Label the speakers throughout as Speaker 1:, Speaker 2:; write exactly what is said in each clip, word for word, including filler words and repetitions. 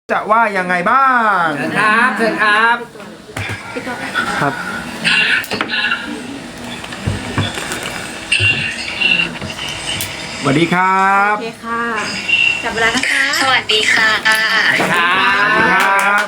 Speaker 1: จะว่ายังไงบ้าง
Speaker 2: เชิญครับเชิญครับ
Speaker 1: ครับสวัสดีครับ
Speaker 3: โอเคค่ะจับเวลานะคะ
Speaker 4: สวัสดีค่ะ
Speaker 2: ครับ
Speaker 1: สวัสดีครับ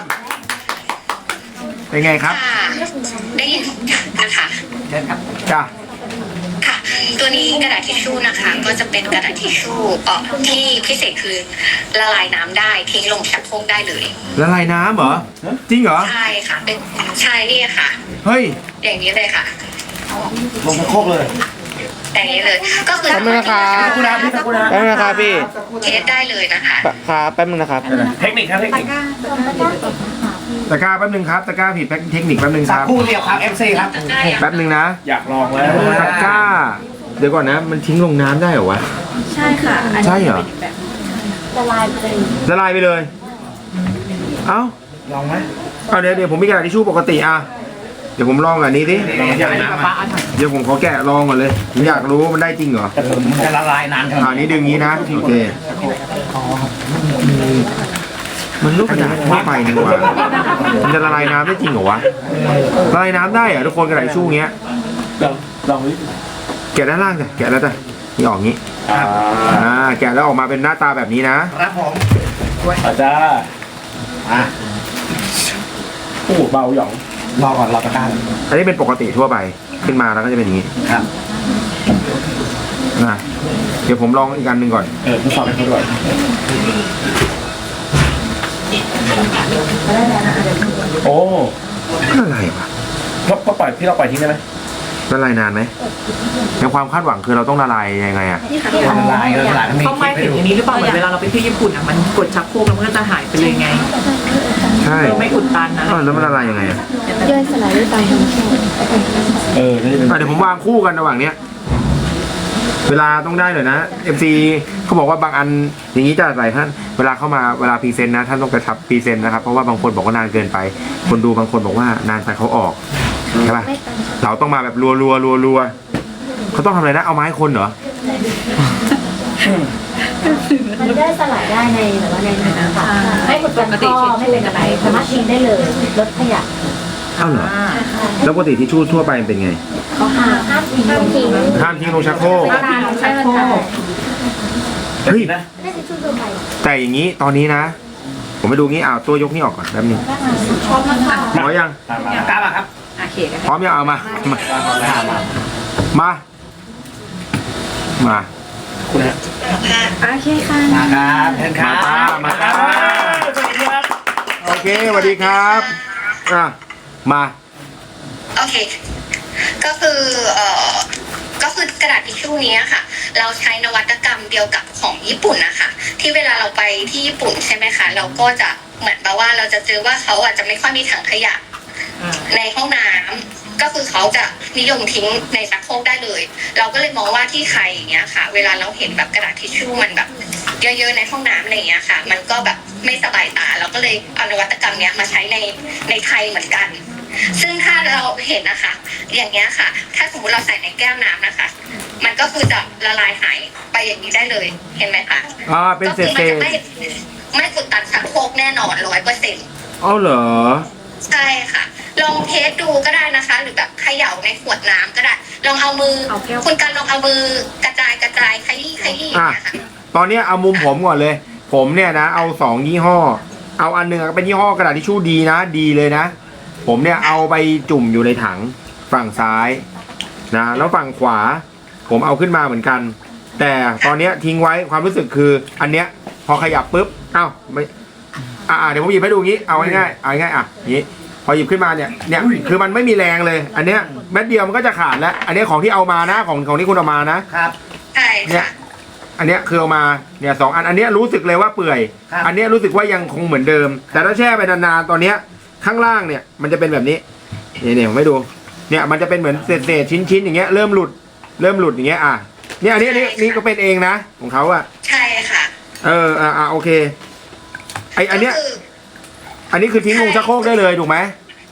Speaker 1: เป็นไงครับ
Speaker 4: ได้ยินนะคะ
Speaker 2: เชิญครับ
Speaker 1: จ้ะ
Speaker 4: ค่ะตัวนี้กระดาษทิชชู่นะคะก็จะเป็นกระดาษทิชชู่เอ่อที่พิเศษคือละลายน้ำได้ทิ้งลงชักโครกได้เลย
Speaker 1: ละลายน้ำเหรอจริงเหรอ
Speaker 4: ใช่ค่ะเป็นใช่นี่ค่ะ
Speaker 1: เฮ้ย
Speaker 4: อย่างนี้เลยค่ะ
Speaker 2: ลงชักโครกเลย
Speaker 4: อย่างนี้เลยก็คือ
Speaker 5: แป๊บนึงนะครับแป๊บนึงนะครับพี่
Speaker 4: เทสได้เลยนะคะ
Speaker 5: ครับแป๊บนึงนะครับ
Speaker 2: เทคนิคครับเทคนิค
Speaker 1: ตะกร้าแป๊บนึงครับตะกร้าผิดเทคนิคแป๊บนึงค
Speaker 2: สัก
Speaker 1: รับ
Speaker 2: ครู่เดียวครับ เอฟ ซี ครับ
Speaker 1: แป๊บนึงนะ
Speaker 2: อยากลองแล้ว
Speaker 1: ตะกร้าเดี๋ยวก่อนนะมันทิ้งลงน้ำได้เหรอวะ
Speaker 3: ใช่ค่ะ
Speaker 1: ใช่เหรอ
Speaker 3: ละลายไปเลย
Speaker 1: ละลายไปเลยเอ้า
Speaker 2: ลองไหม
Speaker 1: เอาเดี๋ยวเดี๋ยวผมมีกระดาษทิชชู่ปกติอ่ะเดี๋ยวผมลองอันนี้ดิเดี๋ยวผมขอแกะลองก่อนเลยผมอยากรู้ว่ามันได้จริงเหรอ
Speaker 2: มันจะละลายนานขนาด
Speaker 1: อ่านี้ดึงงี้นะโอเคมันลูกกระดาษทั่วไปนี่หว่ามันจะละลายน้ำได้จริงเหรอวะละลายน้ำได้เหรอทุกคนกระดาษทิชชู่เงี้ย
Speaker 2: ลองลองดิ
Speaker 1: แกะด้านล่างจ้ะแกะแล้วจ้ะนี่ออกงี้อ่าแกะแล้วออกมาเป็นหน้าตาแบบนี้นะครับ
Speaker 2: ผมอาจารย์อ่ะโอ้เบาหยองรอก่อนรอตะกร้า
Speaker 1: อันนี้เป็นปกติทั่วไปขึ้นมาแล้วก็จะเป็นอย่างนี้
Speaker 2: ครับ
Speaker 1: นะเดี๋ยวผมลองอีกอันหนึ่งก่อน
Speaker 2: เออทดสอบให้เขาด้วยโอ้
Speaker 1: อะไรวะ
Speaker 2: เราปล่อยพี่เราปล่อยทิ้งได้ไหม
Speaker 1: ละลายนานไหมในความคาดหวังคือเราต้องละลายยังไงอ่ะ
Speaker 2: ละลายละลาย
Speaker 6: เขาไม่ถึงอย่างนี้หรือเปล่าเหมือนเวลาเราไปเที่ยวญี่ปุ่นอ่ะมันกดชักโครกแล้วมันก็จะหายไปเลยไง
Speaker 1: ใช่
Speaker 6: ไม่อุดตันนะ
Speaker 1: แล้วมันละลายยังไงอ่ะ
Speaker 3: ย่อยสลายด้วยตามธรรมชาติ
Speaker 2: เออเ
Speaker 1: ดี๋ยวผมวางคู่กันระหว่างเนี้ยเวลาต้องได้เลยนะ เอ็ม ซี เขาบอกว่าบางอันอย่างนี้จะใส่ท่านเวลาเข้ามาเวลาพรีเซนต์นะท่านต้องกระชับพรีเซนต์นะครับเพราะว่าบางคนบอกว่านานเกินไปคนดูบางคนบอกว่านานไปเขาออกใช่ป่ะเราต้องมาแบบรัวรัวรัวรัวเขาต้องทำอะไรนะเอาไม้คนเหรอ
Speaker 3: มันได้สลายได้ในแบบว่าในน้ำค่ะไม่กดกันข้อไม่เป็นอะไรสามารถทิ้งได้เลยลดขยะ
Speaker 1: อ้าวเหรอแล้วปกติทิชชู่ทั่วไปเป็นไง
Speaker 3: เขาห้ามห้ามทิ้งห้ามทิ้ง
Speaker 1: ห้ามทิ้งลงชักโครก
Speaker 3: ห้ามทิ้งลงชักโครก
Speaker 1: เฮ้ยแต่อย่างนี้ตอนนี้นะผมไปดูงี้อ้าวตัวยกนี่ออกก่อนแป๊บนึง
Speaker 3: ชอบมาก
Speaker 1: พร้อมยัง
Speaker 2: กล้าป่ะครับ
Speaker 1: พร้อมยังเอามามามา
Speaker 2: คุณฮะ
Speaker 3: โอเคค่ะ
Speaker 2: มาครับเชิญครับ
Speaker 1: มาครับสวัสดีครับโอเคสวัสดีครับอ่ะมา
Speaker 4: โอเคก็คือเอ่อก็คือกระดาษทิชชู่นี้ค่ะเราใช้นวัตกรรมเดียวกับของญี่ปุ่นนะคะที่เวลาเราไปที่ญี่ปุ่นใช่ไหมคะเราก็จะเหมือนแบบว่าเราจะเจอว่าเขาอาจจะไม่ค่อยมีถังขยะในห้องน้ำก็คือเขาจะนิยมทิ้งในชักโครกได้เลยเราก็เลยมองว่าที่ไทยอย่างเงี้ยค่ะเวลาเราเห็นแบบกระดาษทิชชู่มันแบบเยอะๆในห้องน้ำอะไรอย่างเงี้ยค่ะมันก็แบบไม่สบายตาเราก็เลยเอานวัตกรรมเนี้ยมาใช้ในในไทยเหมือนกันซึ่งถ้าเราเห็นนะคะอย่างเงี้ยค่ะถ้าสมมติเราใส่ในแก้วน้ำนะคะมันก็คือจะละลายหายไปอย่างนี้ได้เลยเห็นไหมคะ
Speaker 1: อ่าเป็นเศษ
Speaker 4: ๆไม่ไม่กดตันชักโครกแน่นอนร้อยเปอร์เซ็นต์
Speaker 1: อ๋อเหรอ
Speaker 4: ใช่ค่ะลองเทสดูก็ได้นะคะหรือแบบเขย่าในขวดน้ำก็ได้ลองเอามือคุณกันลองเอามือกระจายกระจายขยี้ขยี้เนี่ยค่ะ
Speaker 1: ตอนนี้เอามุมผมก่อนเลยผมเนี่ยนะเอาสองยี่ห้อเอาอันหนึ่งเป็นยี่ห้อกระดาษทิชชู่ดีนะดีเลยนะผมเนี่ยเอาไปจุ่มอยู่ในถังฝั่งซ้ายนะแล้วฝั่งขวาผมเอาขึ้นมาเหมือนกันแต่ตอนนี้ทิ้งไว้ความรู้สึกคืออันเนี้ยพอขยับปุ๊บเอ้าไม่อ่าเดี๋ยวผมหยิบให้ดูงี้เอาง่ายๆเอาง่ายๆอ่ะนี้พอหยิบขึ้นมาเนี่ยเนี่ยคือมันไม่มีแรงเลยอันเนี้ยเม็ดเดียวมันก็จะขาดแล้วอันนี้ของที่เอามานะของของที่คุณเอามานะครับ
Speaker 4: ใช่
Speaker 1: เนี่ยอันเนี้ยคือเอามาเนี่ยสองอันอันเนี้ยรู้สึกเลยว่าเปื่อยอันเนี้ยรู้สึกว่ายังคงเหมือนเดิมแต่ถ้าแช่ไปนานๆตอนเนี้ยข้างล่างเนี่ยมันจะเป็นแบบนี้เนี่ยเนี่ยผมให้ดูเนี่ยมันจะเป็นเหมือนเศษๆชิ้นๆอย่างเงี้ยเริ่มหลุดเริ่มหลุดอย่างเงี้ยอ่ะเนี่ยอันนี้นี่นี่ก็เป็นเองนะของเขาอะ
Speaker 4: ใช่ค่ะ
Speaker 1: เอออ่าอ่าโอเคไออันเนี้ยอันนี้คือทิ้งลงชักโครกได้เลยถูกไหม
Speaker 4: ก็คือ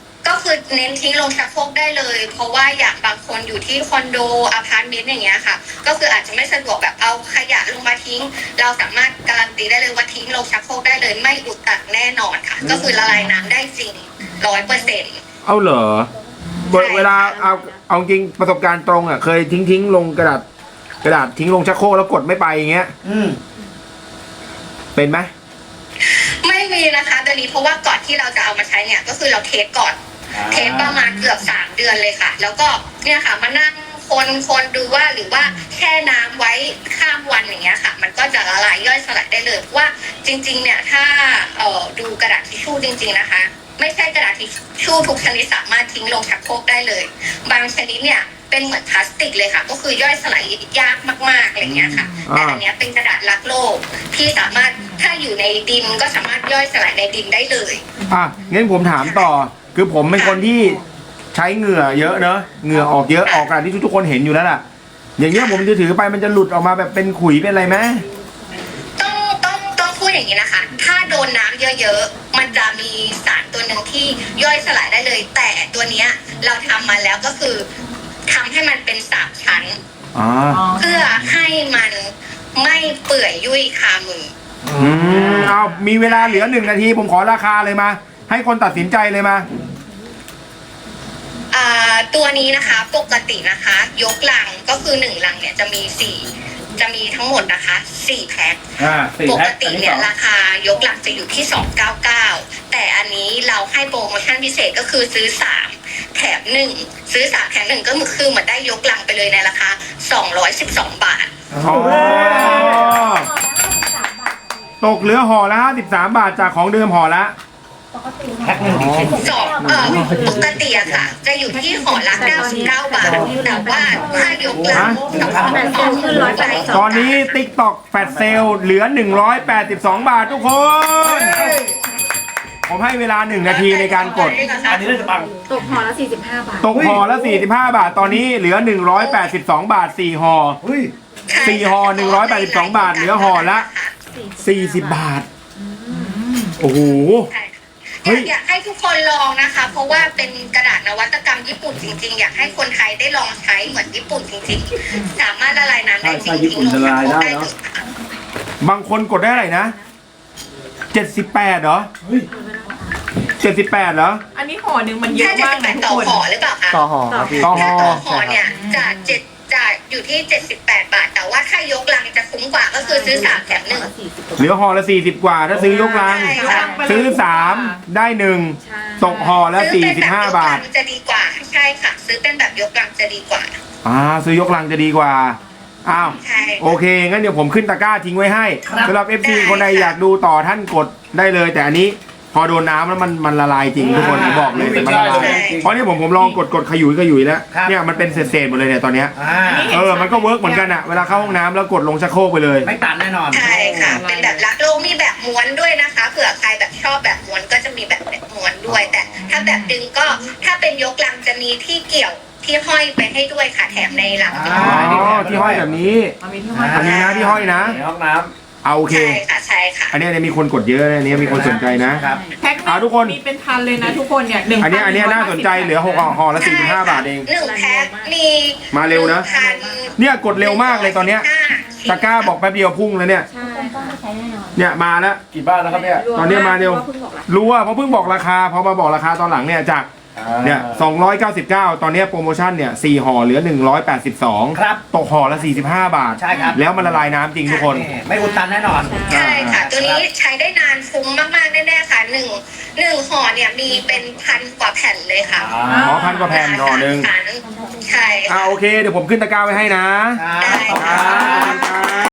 Speaker 4: คือเน้นทิ้งลงชักโครกได้เลย เพราะว่าอย่างบางคนอยู่ที่คอนโดอพาร์ตเมนต์อย่างเงี้ยค่ะ ก็คืออาจจะไม่สะดวกแบบเอาขยะลงมาทิ้ง เราสามารถการันตีได้เลยว่าทิ้งลงชักโครกได้เลยไม่อุดตันแน่นอนค่ะ ก็คือละลายน้ำได้จริงร้อยเปอร์เซ็นต์
Speaker 1: เอาเหรอเวลาเอาเอาจริงประสบการณ์ตรงอ่ะเคยทิ้งทิ้งลงกระดาษกระดาษทิ้งลงชักโครกแล้วกดไม่ไปอย่างเงี้ย
Speaker 2: อืม
Speaker 1: เป็นไหม
Speaker 4: ไม่มีนะคะตอนนี้เพราะว่าก่อนที่เราจะเอามาใช้เนี่ยก็คือเราเทสก่อน เทสประมาณเกือบสามเดือนเลยค่ะ แล้วก็เนี่ยค่ะมานั่งคนคนดูว่าหรือว่าแช่น้ำไว้ข้ามวันอย่างเงี้ยค่ะ มันก็จะละลายย่อยสลายได้เลยว่าจริงๆเนี่ยถ้าเอ่อดูกระดาษทิชชู่จริงๆนะคะ ไม่ใช่กระดาษทิชชู่ทุกชนิดสามารถทิ้งลงชักโครกได้เลย บางชนิดเนี่ยเป็นเหมือนพลาสติกเลยค่ะ ก็คือย่อยสลายยากมากๆอะไรเงี้ยค่ะแต่อันเนี้ยเป็นกระดาษรักโลกที่สามารถถ้าอยู่ในดินก็สามารถย่อยสลายในดินได้เลย
Speaker 1: อ่ะงั้นผมถามต่อ คือผมเป็นคนที่ใช้เหงื่อเยอะเนอะเหงื่อออกเยอะออกกระดาษที่ทุกคนเห็นอยู่แล้วล่ะ อย่างเงี้ยผมจะถือไปมันจะหลุดออกมาแบบเป็นขุยเป็นอะไรไหม
Speaker 4: ต้องต้องต้องพูดอย่างนี้นะคะ ถ้าโดนน้ำเยอะๆ มันจะมีสารตัวหนึ่งที่ย่อยสลายได้เลย แต่ตัวเนี้ยเราทำมาแล้วก็คือทำให้มันเป็นสามชั้น
Speaker 1: อ๋อ
Speaker 4: เพื่อให้มันไม่เปื่อยยุ่ยคามือ
Speaker 1: อืมเอามีเวลาเหลือหนึ่งนาทีผมขอราคาเลยมา ให้คนตัดสินใจเลยมา
Speaker 4: อ่าตัวนี้นะคะปกตินะคะ ยกลังก็คือหนึ่งลังเนี่ยจะมีสี่จะมีทั้งหมดนะคะสี่แพ็ค
Speaker 2: อ่าสี่
Speaker 4: ป
Speaker 2: แพ็
Speaker 4: ก
Speaker 2: ค
Speaker 4: ติ
Speaker 2: อันที่
Speaker 4: เนี่
Speaker 2: ส
Speaker 4: ย
Speaker 2: อง
Speaker 4: ราคายกลังจะอยู่ที่สองเก้าเก้าแต่อันนี้เราให้โปรโมชั่นพิเศษก็คือซื้อสามแถมหนึ่งซื้อสามแถมหนึ่งก็คือเหมือนได้ยกลังไปเลยในราคาสองร้อยสิบสองบาท
Speaker 1: อ๋อ ตกเหลือห่อละห้าสิบสามบาทจากของเดิมห่อละ
Speaker 3: ปกติ
Speaker 2: แพ็คหนึ่งกี่ชิ้น
Speaker 4: สองเอ่อปกติอะค่ะ จะอยู่ที่ห่อละเก้าสิบเก้าบาทแต่ว่าถ้ายกลังสอง
Speaker 3: แปดเซลขึ้นร้อยแปดสิบสอง
Speaker 1: ตอนนี้ TikTok แฟลชเซลเหลือหนึ่งร้อยแปดสิบสองบาททุกคน ผมให้เวลาหนึ่งนาทีในการกด
Speaker 2: อันนี้น่าจะปัง
Speaker 3: ตกห่อละสี่สิบห้าบาท
Speaker 1: ตกห่อละสี่สิบห้าบาท ตอนนี้เหลือหนึ่งร้อยแปดสิบสองบาทสี่ห่อ
Speaker 2: เฮ้ย
Speaker 1: สี่ห่อหนึ่งร้อยแปดสิบสองบาทเหลือห่อละ สี่สิบบาท โอ้โห เฮ้
Speaker 4: อย ยากอยากให้ทุกคนลองนะคะ เพราะว่าเป็นกระดาษนวัตกรรมญี่ปุ่นจริงๆ อยากให้คนไทยได้ลองใช้เหมือนญี่ปุ่นจริงๆ สามารถละลายน้ำได้จริง
Speaker 2: ใช่ญี่ปุ่นละลายได้เนอะ
Speaker 1: บางคนกดได้อะไรนะเจ็ดสิบแปดเหรอ
Speaker 2: เฮ้ย
Speaker 1: เจ็ดสิบแปดเหรอ
Speaker 6: อันนี้ห่อหนึ่งมันเย
Speaker 4: ถ้า
Speaker 6: อะ
Speaker 4: จะ
Speaker 6: มาก
Speaker 4: สิบแป
Speaker 6: นะ
Speaker 4: ด
Speaker 6: ทุก
Speaker 4: ต่อ
Speaker 6: คน
Speaker 4: ห่อหรือเปล่าคะ
Speaker 5: ต่อห่อครับพี่
Speaker 1: ต่อห่
Speaker 4: ถ้า
Speaker 1: อ
Speaker 4: ต่อห่อเนี่ยจะเจ็ดจะอยู่ที่เจ็ดสิบแปดบาท แต่ว่าถ้ายกลังจะคุ้มกว่าก็คือซื้อสามแถมหนึ่ง
Speaker 1: เหลือห่อละสี่สิบกว่า ถ้าซื้อยกลัง
Speaker 4: ใช่ค่ะ
Speaker 1: ซื้อสามได้หนึ่งตกห่อละ
Speaker 4: ซื้
Speaker 1: สี่
Speaker 4: อเป็น
Speaker 1: สิบ
Speaker 4: แบบ
Speaker 1: ห้าย
Speaker 4: ก
Speaker 1: บา
Speaker 4: ลั
Speaker 1: ท
Speaker 4: งจะดีกว่าใช่ค่ะ ซื้อเป็นแบบยกลังจะดีกว่า
Speaker 1: อ่าซื้อยกลังจะดีกว่า อ้าว
Speaker 4: ใช่
Speaker 1: โอเค งั้นเดี๋ยวผมขึ้นตะกร้าทิ้งไว้ให้สำหรับ เอฟ ซี
Speaker 4: ได้
Speaker 1: คนใด
Speaker 4: ค่ะ
Speaker 1: อยากดูต่อท่านกดได้เลย แต่อันนี้พอโดนน้ำแล้วมันมันละลายจริงทุกคนผมบอกเลยมันละลายเพราะนี่ผมผมลองกดกดขยุยขยุยแล้ว
Speaker 2: ครับ
Speaker 1: เนี่ยมันเป็นเศษๆหมดเลยเนี่ยตอนเนี้ย
Speaker 2: อ่า
Speaker 1: เออมันก็เวิร์กเหมือนกันอะเวลาเข้าห้องน้ำแล้วกดลงชักโครกไปเลย
Speaker 2: ไม่ตัดแน่นอน
Speaker 4: ใช่ค่ะ เป็นแบบรักโลกมีแบบม้วนด้วยนะคะเผื่อใครแบบชอบแบบม้วนก็จะมีแบบม้วนด้วย แต่ถ้าแบบดึงก็ถ้าเป็นยกลังจะมีที่เกี่ยวที่ห้อยไปให้ด้วยค่ะแถมในหลังจะ
Speaker 1: อ๋
Speaker 4: มี
Speaker 1: อที่ห้อยแบบนี้
Speaker 6: มันมีที่ห้อย
Speaker 1: อันนี้นะที่ห้อยนะ
Speaker 2: ในห้องน้
Speaker 1: เอาโอเค
Speaker 4: ใช่ค่ะใช่ค่ะ
Speaker 1: อันนี้อันนี้มีคนกดเยอะนะอันนี้มีคนสนใจนะ
Speaker 2: ำครับ
Speaker 6: แพ็คห
Speaker 1: อ่าทุกคน
Speaker 6: มีเป็นพันเลยนะทุกคนเนี่ยหนึ่ง
Speaker 1: อันนี้อันนี้น่าสนใจเหลือหกห่อห่อละสี่สิบห้าบาทเอง
Speaker 4: หนึ่งแพ็คมี
Speaker 1: มาเร็วนะ
Speaker 4: พั
Speaker 1: เนี่ยกดเร็วมากเลยตอนเนี้ยตะกร้าบอกแป๊บเดียวพุ่งแล้วเนี่ย
Speaker 3: ใช่ต้องใช้แน่นอน
Speaker 1: เนี่ยมาแล้ว
Speaker 2: กี่บ้านแล้วครับเนี่ย
Speaker 1: ตอนนี้มาเร็ว
Speaker 3: พะพิ่งบอกละ
Speaker 1: รู้ว่าเพราะเพิ่งบอกราคาพอมาบอกราคาตอนหลังเนี่ยจากเนี่ยสองร้อยเก้าสิบเก้าตอนเนี้ยโปรโมชั่นเนี่ยสี่ห่อเหลือหนึ่งร้อยแปดสิบสอง
Speaker 2: ครับ
Speaker 1: ตกห่อละสี่สิบห้าบาท
Speaker 2: ใช่ครับ
Speaker 1: แล้วมันละลายน้ำจริงทุกคน
Speaker 2: นี่ไม่อุดตันแน่นอน
Speaker 4: ใช่ค่ะ ตัวนี้ใช้ได้นานคุ้มมากๆแน่ๆค่ะหนึ่งหนึ่งห่อเนี่ยมีเป็นพันกว่าแผ่นเลยค่ะ
Speaker 1: อ๋อพันกว่าแผ่นห่อหนึ่ง
Speaker 4: ใช่
Speaker 1: อ่า
Speaker 4: ค่ะ
Speaker 1: โอเคเดี๋ยวผมขึ้นตะกร้าไว้ให้นะ
Speaker 2: ครับ
Speaker 4: ได้ค่ะ
Speaker 1: ครับ